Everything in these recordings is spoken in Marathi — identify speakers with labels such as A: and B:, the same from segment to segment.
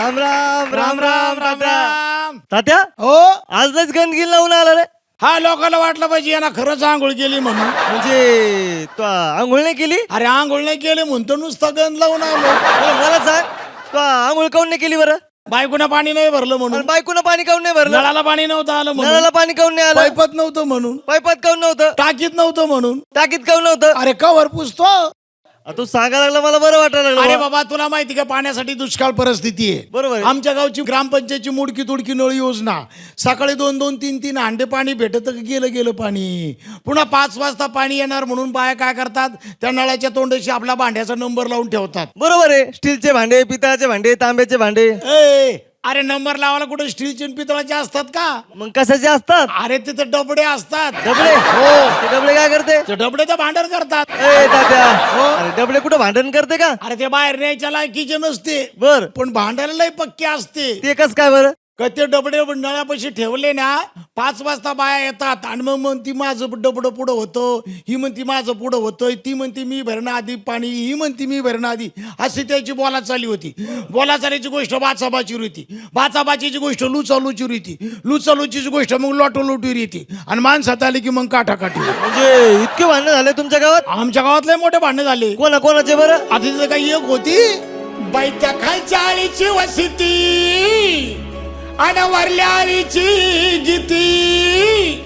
A: राम राम
B: राम राम राम राम.
A: तात्या
B: हो
A: आज लयच गंदगी लावून आला रे.
B: हा लोकांना वाटलं पाहिजे यांना खरंच आंघोळ केली म्हणून.
A: म्हणजे तू आंघोळ नाही केली?
B: अरे आंघोळ नाही केली म्हणतो नुसतं गंध लावून आलो.
A: बरं, मला सांग तू आंघोळ काऊन नाही केली बरं?
B: बायकोनं पाणी नाही भरलं
A: आणि
B: म्हणून.
A: बायकोनं पाणी काऊन नाही भरलं?
B: नळाला पाणी नव्हतं आलं म्हणून.
A: नळाला पाणी काऊन नाही आलं?
B: पाईपात नव्हतं म्हणून.
A: पाईपात काऊन नव्हतं?
B: टाकीत नव्हतं म्हणून.
A: टाकीत काऊन नव्हतं?
B: अरे कवर पुसतो.
A: तू सांगायला लागला मला बरं वाटायला
B: अरे
A: लागलं.
B: बाबा तुला माहिती का पाण्यासाठी दुष्काळ परिस्थिती आहे.
A: बरोबर आहे.
B: आमच्या गावची ग्रामपंचायतची मुडकी तुडकी नळ योजना सकाळी 2-2, 3-3 हांडे पाणी भेटत गेलं पाणी. पुन्हा 5 वाजता पाणी येणार म्हणून बाया काय करतात, त्या नळाच्या तोंडाशी आपला भांड्याचा नंबर लावून ठेवतात.
A: बरोबर आहे. स्टीलचे भांडे, पितळाचे भांडे, तांब्याचे भांडे.
B: ए, अरे नंबर लावायला कुठे स्टीलचे आणि पितळाचे असतात का?
A: मग कशाचे असतात?
B: अरे तिथे डबडे असतात.
A: डबडे?
B: हो.
A: ते डबडे काय करते?
B: ते डबडे तर भांडण करतात.
A: ए तात्या,
B: हो.
A: अरे डबडे कुठं भांडण करते का?
B: अरे ते बाहेर न्यायच्या लायकीचे नसते,
A: बर,
B: पण भांडायला लय पक्के असते.
A: ते कस काय बरं?
B: का ते डबडे नळापाशी ठेवले ना, 5 वाजता बाया येतात आणि मग म्हणती माझं डबडं पुढं होतं, ही म्हणती माझं पुढं होतं, ती म्हणती मी भरणं आधी पाणी, ही म्हणती मी भरणं आधी. अशी त्याची बोला चालली होती. बोला चालायची गोष्ट बाचाबाचीवर होती, बाचाबाचीची गोष्ट लुचालुचीवर होती, लुचालुचीची गोष्ट मग लोटोलोटीवर येते आणि माणसात आली की मग काठाकाठी.
A: म्हणजे इतके भांडण झाले तुमच्या गावात?
B: आमच्या गावात लय मोठे भांडण झाले.
A: कोणाचे बरं?
B: आता तिथं काही एक होती बाई त्या खालच्या आळीची वसती आणि वरल्या आळीची गीती.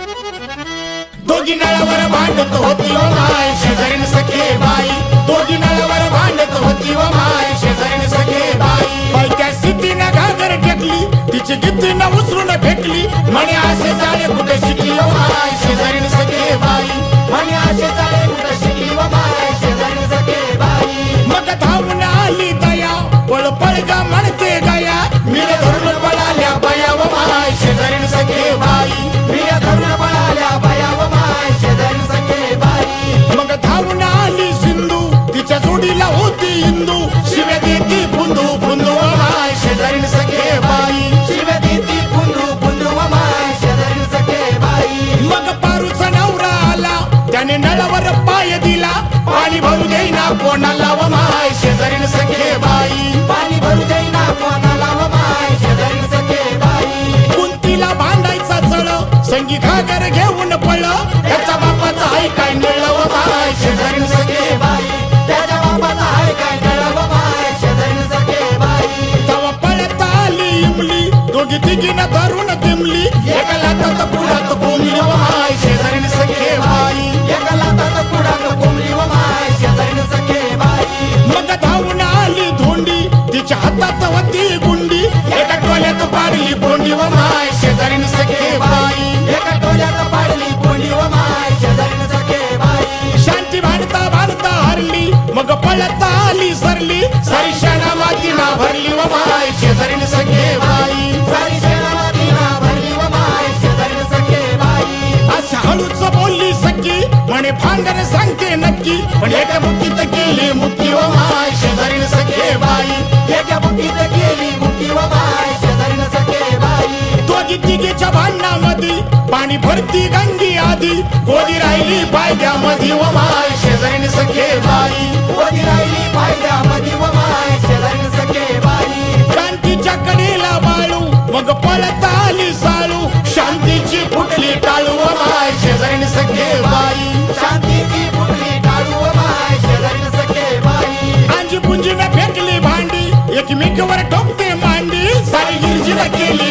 B: दोघी नळावर भांडत होती व माय शेजारीन सखे बाई. दोघी नळावर भांडत होती व माय शेजारीन सखे बाई. बाई त्या सिटीनं घागर टेकली, तिची गीतीनं उचलून फेकली. म्हणे असे चाळे कुठे शिकली व माय शेजारीन सखे बाई. म्हणे असे चाळे कुठे शिकली व माय शेजारीन सखे बाई. मग धावून आली दया, पळ पळ ग म्हणते गया. मी धरून पळाल्या बया व माय शेजारीन सखे बाई. मी धरून पळाल्या बया व माय शेजारीन सखे बाई. मग धावून आली सिंधू, तिच्या जोडीला होती इंदू. शिव्या देती फुंदू फुंदू व माय शेजारीन सखे बाई. शिव्या देती फुंदू फुंदू व माय शेजारीन सखे बाई. मग पारूचा नवरा आला, त्याने नळावर पाय दिला. पाणी भरू देईना कोणाला व माय शेजारीन सखे बाई. पाणी भरू देईना कोणाला व माय शेजारीन सखे बाई. कुंतीला भांडायचा चळ, संगी घागर घेऊन पळ. त्याच्या बापाचा हाय काय नळ व माय शेजारीन सखे बाई. त्याच्या बापाचा हाय काय नळ व माय शेजारीन सखे बाई. तवा पळत आली इमली, दोघी तिघीनं धरून दिमली. एका लातात पुढात कोंबली व माय शेजारीन सखे बाई. एका लातात पुढात कोंबली व माय शेजारीन सखे बाई. मग धावून आली धोंडी, तिच्या हातात होती गुंडी. एका टोल्यात पाडली बोंडी व माय शेजारीन सखे बाई. एका टोल्यात पाडली बोंडी व माय शेजारीन सखे बाई. शांती भांडता भांडता हरली, मग पळत आली सरली. सारी शेणा मातीना भरली व माय शेजारीन सखे बाई. सारी शेणा मातीना भरली व माय शेजारीन सखे बाई. असं हळूच बोलली सखी, म्हणे भांडण सांगते नक्की. पण एका मुठीत गेली मुठी व माय शेजारीन सखे बाई. एका मुठीत गेली मुठी व माय शेजारीन सखे बाई. दोघी तिघीच्या भांडणामध्ये पाणी भरती गंगी आधी. गोदी राहिली पायद्यामध्ये व माय शेजारीन सखे बाई. गोदी राहिली पायद्यामध्ये व माय शेजारीन सखे बाई. क्रांतीच्या कडेला बाळू, मग पळत आली साळू. शांतीची फुटली टाळू व माय शेजारीन सखे बाई. शांतीची फुटली टाळू व माय शेजारीन सखे बाई. आंजी पुंजीनं फेकली भांडी, एकमेकावर ठोकते मांडी. सारी गिरजीला केली